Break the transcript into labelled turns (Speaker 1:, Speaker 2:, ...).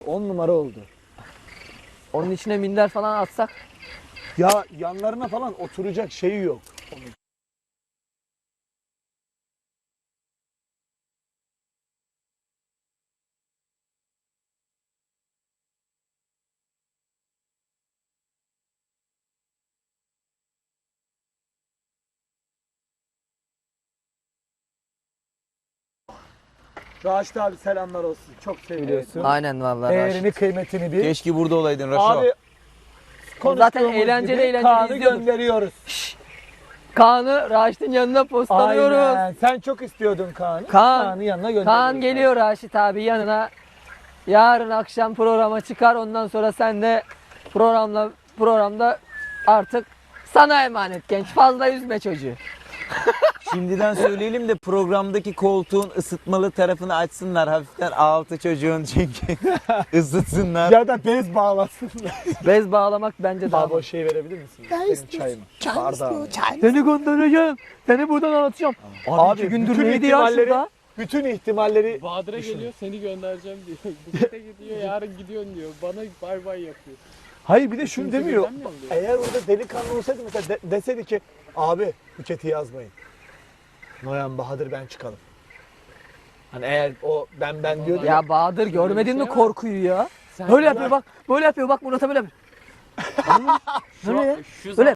Speaker 1: 10 numara oldu.
Speaker 2: Onun içine minder falan atsak.
Speaker 1: Ya yanlarına falan oturacak şeyi yok. Raşit abi selamlar olsun. Çok seviliyorsun.
Speaker 2: Aynen vallahi.
Speaker 1: Değerini, kıymetini bil.
Speaker 3: Keşke burada olaydın Raşo.
Speaker 1: Abi
Speaker 2: Zaten
Speaker 1: konuştuğumuz
Speaker 2: eğlenceli
Speaker 1: gibi
Speaker 2: eğlenceli
Speaker 1: Kaan'ı
Speaker 2: izliyorduk.
Speaker 1: gönderiyoruz.
Speaker 2: Kaan'ı Raşit'in yanına postalıyoruz.
Speaker 1: Aynen. Sen çok istiyordun Kaan'ı.
Speaker 2: Kaan-
Speaker 1: Kaan'ı yanına gönderiyoruz.
Speaker 2: Kaan geliyor Raşit abi yanına. Yarın akşam programa çıkar. Ondan sonra sen de programda artık sana emanet genç. Fazla üzme çocuğu.
Speaker 3: Şimdiden söyleyelim de programdaki koltuğun ısıtmalı tarafını açsınlar hafiften altı çocuğun çünkü ısıtsınlar.
Speaker 1: Ya da bez bağlasınlar.
Speaker 2: Bez bağlamak bence daha.
Speaker 1: Abi o şeyi verebilir misin? Benim çayımı. Bardağı.
Speaker 2: Seni göndereceğim. Seni buradan anlatacağım. Abi 2 gündür
Speaker 1: bütün
Speaker 2: neydi ya
Speaker 1: ihtimalleri-
Speaker 2: şurada?
Speaker 1: Bütün ihtimalleri
Speaker 4: Bahadır'a geliyor seni göndereceğim diyor. Buket'e gidiyor yarın gidiyorsun diyor. Bana bay bay yapıyor.
Speaker 1: hayır bir de şunu
Speaker 4: Kimse
Speaker 1: demiyor.
Speaker 4: güvenmiyor mu diyor.
Speaker 1: Eğer orada delikanlı olsaydı mesela deseydi ki abi Buket'i yazmayın. Noyan Bahadır ben çıkalım. Hani eğer o ben diyordu ya.
Speaker 2: Ya Bahadır görmedin mi
Speaker 4: şey var.
Speaker 2: korkuyu ya?
Speaker 4: Sen
Speaker 2: Böyle yapıyor bak. Böyle yapıyor bak Murat'a böyle yapıyor.
Speaker 4: şu,
Speaker 2: Böyle ya.
Speaker 4: şu
Speaker 2: Böyle.